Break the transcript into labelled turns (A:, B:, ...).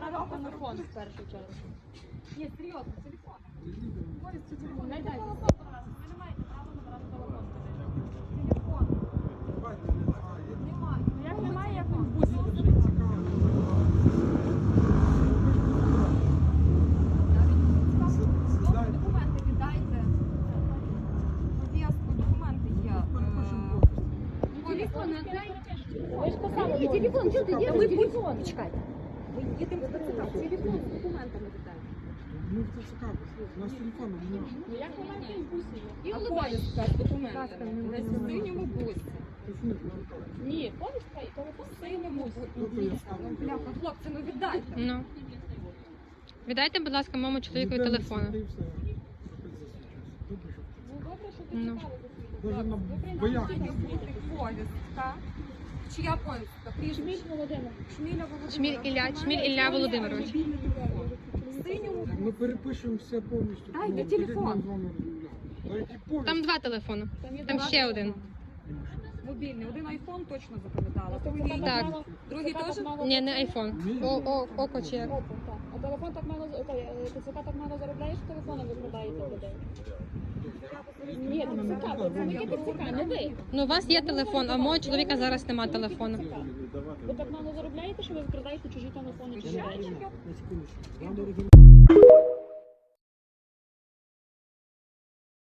A: забрали телефон в першу чергу. Ні, серйозно, телефон. Користуйтесь телефон. Не дайте. Ви не маєте права забрати телефон. Телефон. Немає. Ну як немає, як він в бусі лежить? Документи віддайте. Пов'язку, документи є. Телефон не дайте.
B: Ви ж писали, телефон, що ти їдеш? Телефон.
A: Почекайте. Ви їдемо в ТЦК. Телефон з документами віддайте.
C: Ми в ТЦК, у нас телефону немає.
A: Ну як ви маєте в бусі? І улыбаєтеся з документами. Десь в синьому бусі. Ні, повістка і телефон в синьому бусі. Бляха, хлопці, ну віддайте.
D: Ну. Віддайте, будь ласка, моєму чоловікові телефон.
A: Ну добре, що ви
D: Ну.
A: чекали.
C: Даже на
A: Ви
C: боях.
A: прийняли повістка. Чия повістка? Прізвище?
B: Володимир.
A: Шміля Володимир.
D: Шміль Ілля Володимирович.
A: В синьому.
C: Ми перепишемо все повністю.
A: Дайте
C: Ну,
A: телефон.
C: тоді ми з вами, да. Дайте повністю.
D: Там 2 телефони. Там ще один.
A: Мобільний. Один айфон точно запам'ятала. Другий.
D: Так.
A: Другий теж?
D: Ні, не айфон. Око чи як.
B: А телефон так мало, ТЦК так мало заробляє, що телефони викрадаєте людей. Ні, ТЦК, працівники ТЦК, не ви.
D: Ну, у вас є телефон, а у мого чоловіка зараз немає телефону.
B: Ви так мало заробляєте, що ви викрадаєте чужі телефони чи
C: На секундочку. Вам